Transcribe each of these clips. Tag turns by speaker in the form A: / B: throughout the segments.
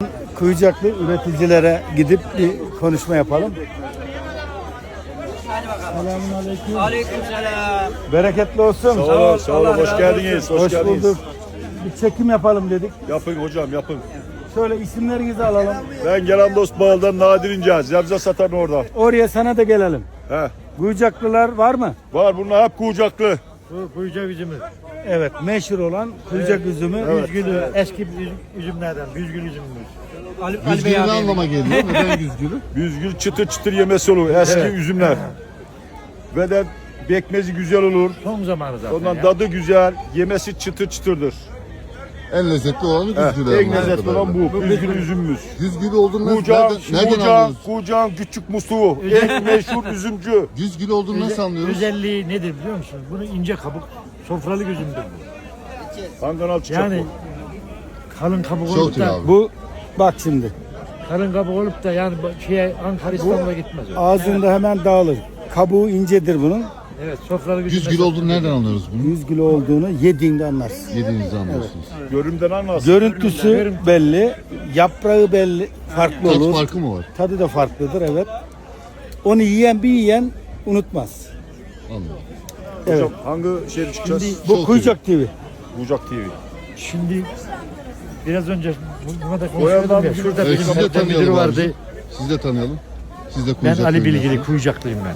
A: Kuyucaklı üreticilere gidip bir konuşma yapalım. Selamünaleyküm.
B: Aleykümselam.
A: Bereketli olsun.
C: Sağ olun, sağ olun. Hoş geldiniz.
A: Hoş bulduk. Bir çekim yapalım dedik.
C: Yapın hocam, yapın.
A: Şöyle isimlerinizi alalım.
C: Ben gelen dost bağıldan Nadir İnce, Zebze satan orada.
A: Oraya sana da gelelim.
C: He.
A: Kuyucaklılar var mı?
C: Var, bunlar hep kucaklı.
D: Bu kuyucak üzümü.
A: Evet, meşhur olan kuyucak üzümü.
D: Büzgülü, eski üzümlerden, büzgül üzümümüz.
B: Güzgülü
E: Ne anlama geliyor? Neden güzgülü?
C: Büzgül çıtır çıtır yemesi olur, eski üzümler. Ve de bekmezi güzel olur.
D: Son zamanı zaten
C: Ondan
D: ya.
C: tadı güzel, yemesi çıtır çıtırdır.
E: En lezzetli olanı güzgülü.
C: En lezzetli olan bu, büzgül üzümümüz.
E: Güzgülü olduğunu
C: Kucağın,
E: nereden anlıyoruz?
C: kucağın küçük musluğu, en meşhur üzümcü.
E: Güzgülü olduğunu nasıl anlıyoruz?
D: Özelliği nedir biliyor musunuz? Bunun ince kabuk, sofralık üzümdür bu.
C: Kangal çıkacak
D: Yani kalın kabuk
E: Çok
D: olup
E: iyi
D: da,
E: abi.
A: Bu bak şimdi
D: kalın kabuk olup da yani Ankara İstanbul'a gitmez o.
A: ağzında hemen dağılır. Kabuğu incedir bunun.
D: Evet, sofralık üzüm.
E: Güzgülü olduğunu nereden anlıyoruz bunu?
A: 100 kilo olduğunu yediğinde anlarsın.
E: Yediğinizde anlıyorsunuz.
C: Görümden anlarsın.
A: Görüntüsü belli, yaprağı belli, farklı
E: Tat
A: olur.
E: farkı mı var?
A: Tadı da farklıdır, evet. Onu yiyen unutmaz.
E: Anladım.
A: Evet.
C: Hocam hangi şehre çıkacağız?
A: Bu Kuyucak TV.
C: Kucak TV.
D: Şimdi biraz önce buna da
C: Boyandan
D: konuşuyordum ya.
C: bir-
D: Şurada
E: Evet,
D: bizim
E: sizi de
D: hafta müdürü
E: tanıyalım
D: vardı.
E: abicim. Sizi de tanıyalım. Siz de
D: Ben
E: kuyucak
D: Ali
E: ürünleri.
D: Bilgili, kuyucaklıyım ben.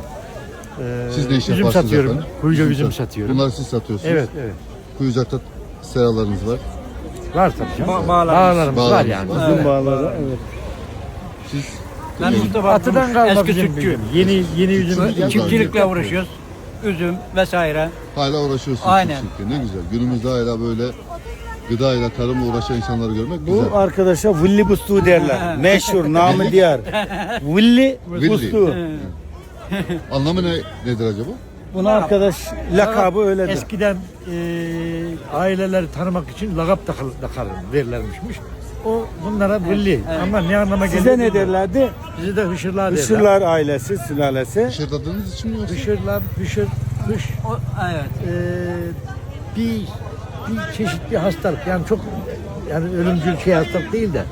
E: Siz ne iş
D: üzüm
E: yaparsınız
D: satıyorum,
E: efendim?
D: kuyucak üzüm satıyorum.
E: Bunları siz satıyorsunuz.
D: Evet, evet.
E: Kuyucakta seralarınız var.
D: Var tabii canım.
B: Bağlarımız.
D: Bağlarımız var yani.
E: Bağlarımız
A: Uzun bağları, evet.
E: Siz
B: Ben Mustafa
D: Atıdan kalma
B: eski
D: bizim
B: sütçü.
D: bizim. Yeni üzüm.
B: Çiftçilikle uğraşıyoruz. Üzüm vesaire.
E: hala uğraşıyorsunuz.
B: Aynen.
E: çiftçilikle. Ne güzel. Günümüzde hala böyle gıdayla, tarımla uğraşan insanları görmek
A: Bu
E: güzel.
A: arkadaşa Villi Bustu derler. Meşhur, namı diğer. Villi
E: Villi.
A: Bustu.
E: Anlamı nedir acaba?
A: Buna arkadaş lakabı öyledir.
D: Eskiden aileleri tanımak için lakap verirlermişmiş. O bunlara belli. Ama ne anlama geliyor?
A: Size ne
D: bilmiyorum.
A: derlerdi?
D: Bizi de hışırlar derler.
A: Hışırlar ailesi, sülalesi.
E: Hışırdadığınız için mi yoksa?
D: Hışır, hış.
B: O, evet.
D: Bir çeşit bir hastalık. Yani çok yani ölümcül hastalık değil de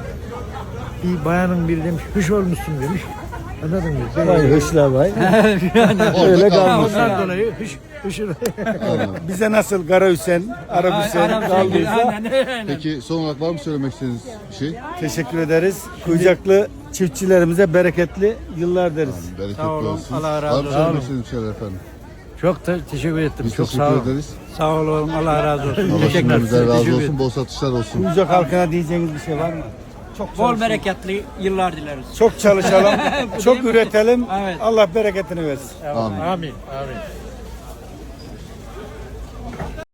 D: bir bayanın biri demiş hış olmuşsun demiş. Anladın mı?
A: Vay hışla vay.
E: Orada
A: Öyle
E: kalmış.
D: Ondan dolayı hışır.
E: Anladım.
A: Bize nasıl Kara Hüseyin, Arap Hüseyin kaldıysa
B: Aynen.
E: Peki son olarak var mı söylemek istediğiniz bir şey?
A: teşekkür ederiz. Kuyucaklı çiftçilerimize bereketli yıllar deriz.
E: Bereketli
B: Sağ olun,
E: olsun.
B: Allah razı
E: Var mı
B: olsun.
E: söylemek istediğiniz şeyler efendim?
D: Çok da teşekkür ettim.
E: Biz
D: Çok sağ
E: teşekkür
D: olun.
E: ederiz.
B: Sağ olun. Allah razı olsun.
E: Allah
D: Teşekkürler.
E: şimdimizden razı
D: Teşekkür
E: olsun. Bol satışlar olsun.
A: Kuyucak halkına diyeceğiniz bir şey var mı? Çok
B: Bol
A: çalışın.
B: bereketli yıllar dileriz.
A: Çok çalışalım, çok üretelim.
B: Evet.
A: Allah bereketini versin.
E: Amin.
D: Amin. Amin.